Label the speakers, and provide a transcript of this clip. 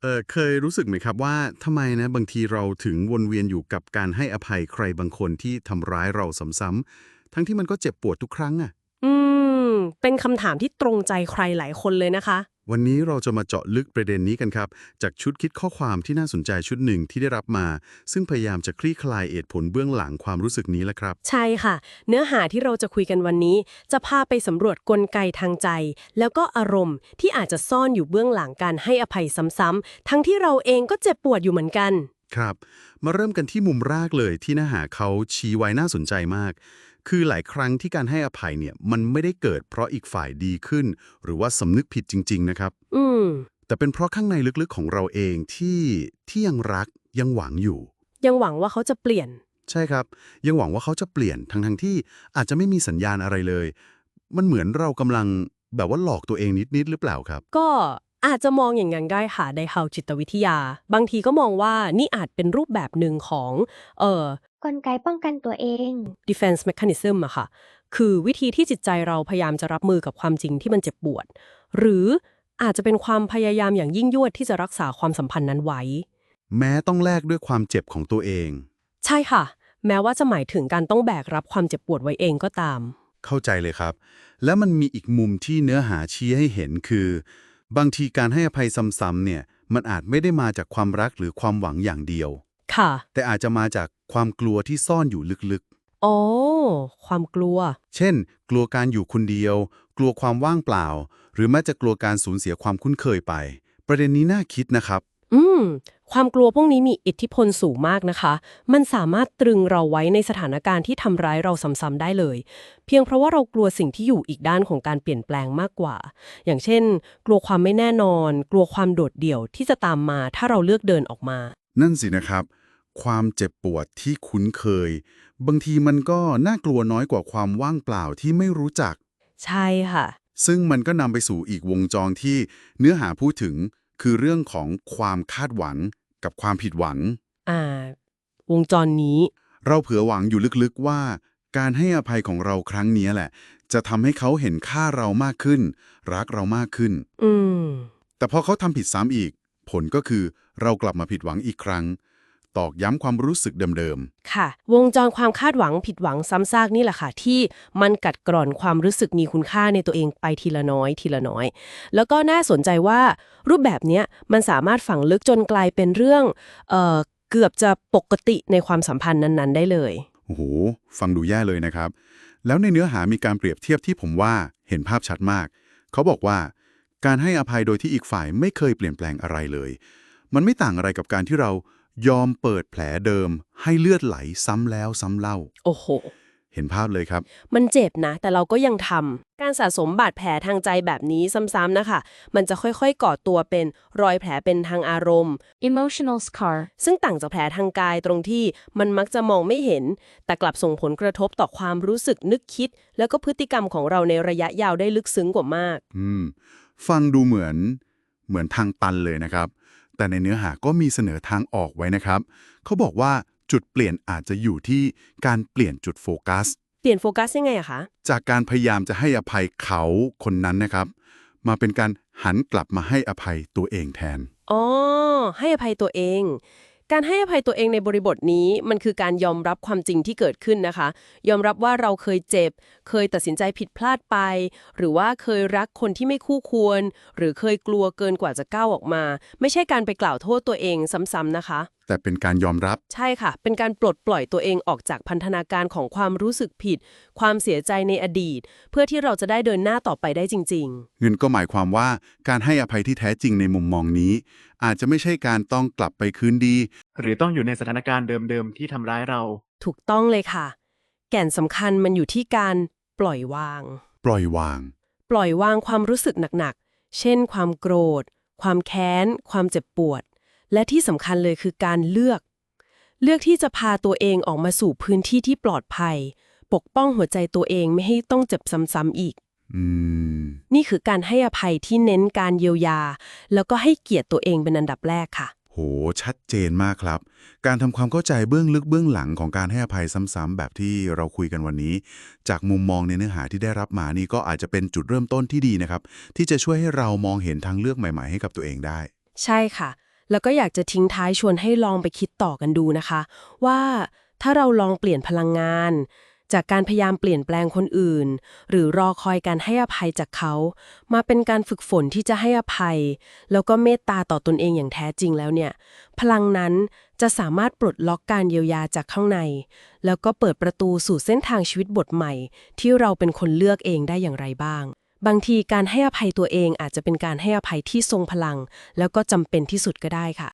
Speaker 1: เคยรู้สึกไหมครับว่าทำไมนะบางทีเราถึงวนเวียนอยู่กับการให้อภัยใครบางคนที่ทำร้ายเราซ้ำๆทั้งที่มันก็เจ็บปวดทุกครั้งอะ
Speaker 2: อืมเป็นคำถามที่ตรงใจใครหลายคนเลยนะคะ
Speaker 1: วันนี้เราจะมาเจาะลึกประเด็นนี้กันครับจากชุดคิดข้อความที่น่าสนใจชุดหนึ่งที่ได้รับมาซึ่งพยายามจะคลี่คลายเหตุผลเบื้องหลังความรู้สึกนี้แหละครับ
Speaker 2: ใช่ค่ะ เนื้อหาที่เราจะคุยกันวันนี้ จะพาไปสำรวจกลไกทางใจ แล้วก็อารมณ์ที่อาจจะซ่อนอยู่เบื้องหลังการให้อภัยซ้ำๆทั้งที่เราเองก็เจ็บปวดอยู่เหมือนกัน
Speaker 1: ครับมาเริ่มกันที่มุมแรกเลยที่เนื้อหาเขาชี้ไว้น่าสนใจมากคือหลายครั้งที่การให้อภัยเนี่ยมันไม่ได้เกิดเพราะอีกฝ่ายดีขึ้นหรือว่าสำนึกผิดจริงๆนะครับ
Speaker 2: อืม
Speaker 1: แต่เป็นเพราะข้างในลึกๆของเราเองที่ยังรักยังหวังอยู่
Speaker 2: ยังหวังว่าเขาจะเปลี่ยน
Speaker 1: ใช่ครับยังหวังว่าเขาจะเปลี่ยนทั้งที่อาจจะไม่มีสัญญาณอะไรเลยมันเหมือนเรากำลังแบบว่าหลอกตัวเองนิดๆหรือเปล่าครับ
Speaker 2: ก็อาจจะมองอย่างนั้นได้ค่ะในทางจิตวิทยา บางทีก็มองว่านี่อาจเป็นรูปแบบหนึ่งของเอ่อก
Speaker 3: ลไกป้องกันตัวเอง
Speaker 2: defense mechanism อะค่ะ คือวิธีที่จิตใจเราพยายามจะรับมือกับความจริงที่มันเจ็บปวด หรืออาจจะเป็นความพยายามอย่างยิ่งยวดที่จะรักษาความสัมพันธ์นั้นไว้
Speaker 1: แม้ต้องแลกด้วยความเจ็บของตัวเอง
Speaker 2: ใช่ค่ะ แม้ว่าจะหมายถึงการต้องแบกรับความเจ็บปวดไว้เองก็ตาม
Speaker 1: เข้าใจเลยครับแล้วมันมีอีกมุมที่เนื้อหาชี้ให้เห็นคือบางทีการให้อภัยซ้ำๆเนี่ยมันอาจไม่ได้มาจากความรักหรือความหวังอย่างเดียว
Speaker 2: ค่ะ
Speaker 1: แต่อาจจะมาจากความกลัวที่ซ่อนอยู่ลึกๆ
Speaker 2: อ๋อความกลัว
Speaker 1: เช่น กลัวการอยู่คนเดียว กลัวความว่างเปล่า หรือแม้จะกลัวการสูญเสียความคุ้นเคยไป ประเด็นนี้น่าคิดนะครับ
Speaker 2: อืมความกลัวพวกนี้มีอิทธิพลสูงมากนะคะ มันสามารถตรึงเราไว้ในสถานการณ์ที่ทำร้ายเราซ้ำๆได้เลย เพียงเพราะว่าเรากลัวสิ่งที่อยู่อีกด้านของการเปลี่ยนแปลงมากกว่า อย่างเช่น กลัวความไม่แน่นอน กลัวความโดดเดี่ยวที่จะตามมาถ้าเราเลือกเดินออกมา
Speaker 1: นั่นสินะครับ ความเจ็บปวดที่คุ้นเคย บางทีมันก็น่ากลัวน้อยกว่าความว่างเปล่าที่ไม่รู้จัก
Speaker 2: ใช่ค่ะ
Speaker 1: ซึ่งมันก็นำไปสู่อีกวงจรที่เนื้อหาพูดถึง คือเรื่องของความคาดหวังกับความผิดหวัง
Speaker 2: อ่า วงจรนี้
Speaker 1: เราเผื่อหวังอยู่ลึกๆว่าการให้อภัยของเราครั้งนี้แหละ จะทำให้เขาเห็นค่าเรามากขึ้น รักเรามากขึ้น
Speaker 2: อืม
Speaker 1: แต่พอเขาทำผิดซ้ำอีก ผลก็คือเรากลับมาผิดหวังอีกครั้ง ตอกย้ำความรู้สึกเดิม
Speaker 2: ค่ะวงจรความคาดหวังผิดหวังซ้ำซากนี่แหละค่ะที่มันกัดกร่อนความรู้สึกมีคุณค่าในตัวเองไปทีละน้อยทีละน้อย แล้วก็น่าสนใจว่ารูปแบบเนี้ยมันสามารถฝังลึกจนกลายเป็นเรื่องเกือบจะปกติในความสัมพันธ์นั้นๆได้เลย
Speaker 1: ๆ โอ้โห ฟังดูแย่เลยนะครับ แล้วในเนื้อหามีการเปรียบเทียบที่ผมว่าเห็นภาพชัดมาก เขาบอกว่าการให้อภัยโดยที่อีกฝ่ายไม่เคยเปลี่ยนแปลงอะไรเลย มันไม่ต่างอะไรกับการที่เรายอมเปิดแผลเดิมให้เลือดไหลซ้ำแล้วซ้ำเล่า
Speaker 2: โอ้โห
Speaker 1: เห็นภาพเลยครับ
Speaker 2: มันเจ็บนะแต่เราก็ยังทำการสะสมบาดแผลทางใจแบบนี้ซ้ำๆนะคะมันจะค่อยๆก่อตัวเป็นรอยแผลเป็นทางอารมณ์
Speaker 3: emotional scar
Speaker 2: ซึ่งต่างจากแผลทางกายตรงที่มันมักจะมองไม่เห็น แต่กลับส่งผลกระทบต่อความรู้สึกนึกคิด แล้วก็พฤติกรรมของเราในระยะยาวได้ลึกซึ้งกว่ามาก
Speaker 1: อืมฟังดูเหมือนทางตันเลยนะครับ แต่ในเนื้อหาก็มีเสนอทางออกไว้นะครับ เขาบอกว่าจุดเปลี่ยนอาจจะอยู่ที่การเปลี่ยนจุดโฟกัส
Speaker 2: เปลี่ยนโฟกัสยังไงอะคะ
Speaker 1: จากการพยายามจะให้อภัยเขาคนนั้นนะครับ มาเป็นการหันกลับมาให้อภัยตัวเองแทน
Speaker 2: อ๋อ ให้อภัยตัวเอง การให้อภัยตัวเองในบริบทนี้มันคือการยอมรับความจริงที่เกิดขึ้นนะคะ ยอมรับว่าเราเคยเจ็บ เคยตัดสินใจผิดพลาดไป หรือว่าเคยรักคนที่ไม่คู่ควร หรือเคยกลัวเกินกว่าจะก้าวออกมา ไม่ใช่การไปกล่าวโทษตัวเองซ้ำๆนะคะ
Speaker 1: แต่เป็นการยอมรับ
Speaker 2: ใช่ค่ะ เป็นการปลดปล่อยตัวเองออกจากพันธนาการของความรู้สึกผิด ความเสียใจในอดีต เพื่อที่เราจะได้เดินหน้าต่อไปได้จริง
Speaker 1: เงินก็หมายความว่าการให้อภัยที่แท้จริงในมุมมองนี้ อาจจะไม่ใช่การต้องกลับไปคืนดี
Speaker 4: หรือต้องอยู่ในสถานการณ์เดิมๆที่ทำร้ายเรา
Speaker 2: ๆ ถูกต้องเลยค่ะ แก่นสำคัญมันอยู่ที่การปล่อยวาง
Speaker 1: ปล่อยวาง
Speaker 2: ปล่อยวางความรู้สึกหนักๆ เช่น ความโกรธ ความแค้น ความเจ็บปวด และที่สำคัญเลยคือการเลือกที่จะพาตัวเองออกมาสู่พื้นที่ที่ปลอดภัย ปกป้องหัวใจตัวเองไม่ให้ต้องเจ็บซ้ำๆอีก
Speaker 1: อืม
Speaker 2: นี่คือการให้อภัยที่เน้นการเยียวยา แล้วก็ให้เกียรติตัวเองเป็นอันดับแรกค่ะ
Speaker 1: โห ชัดเจนมากครับ การทำความเข้าใจเบื้องลึกเบื้องหลังของการให้อภัยซ้ำๆแบบที่เราคุยกันวันนี้ จากมุมมองในเนื้อหาที่ได้รับมานี่ก็อาจจะเป็นจุดเริ่มต้นที่ดีนะครับ ที่จะช่วยให้เรามองเห็นทางเลือกใหม่ๆให้กับตัวเองได้
Speaker 2: ใช่ค่ะแล้วก็อยากจะทิ้งท้ายชวนให้ลองไปคิดต่อกันดูนะคะ ว่าถ้าเราลองเปลี่ยนพลังงาน จากการพยายามเปลี่ยนแปลงคนอื่น หรือรอคอยการให้อภัยจากเขา มาเป็นการฝึกฝนที่จะให้อภัย แล้วก็เมตตาต่อตนเองอย่างแท้จริงแล้วเนี่ย พลังนั้นจะสามารถปลดล็อกการเยียวยาจากข้างใน แล้วก็เปิดประตูสู่เส้นทางชีวิตบทใหม่ ที่เราเป็นคนเลือกเองได้อย่างไรบ้าง บางทีการให้อภัยตัวเองอาจจะเป็นการให้อภัยที่ทรงพลัง แล้วก็จำเป็นที่สุดก็ได้ค่ะ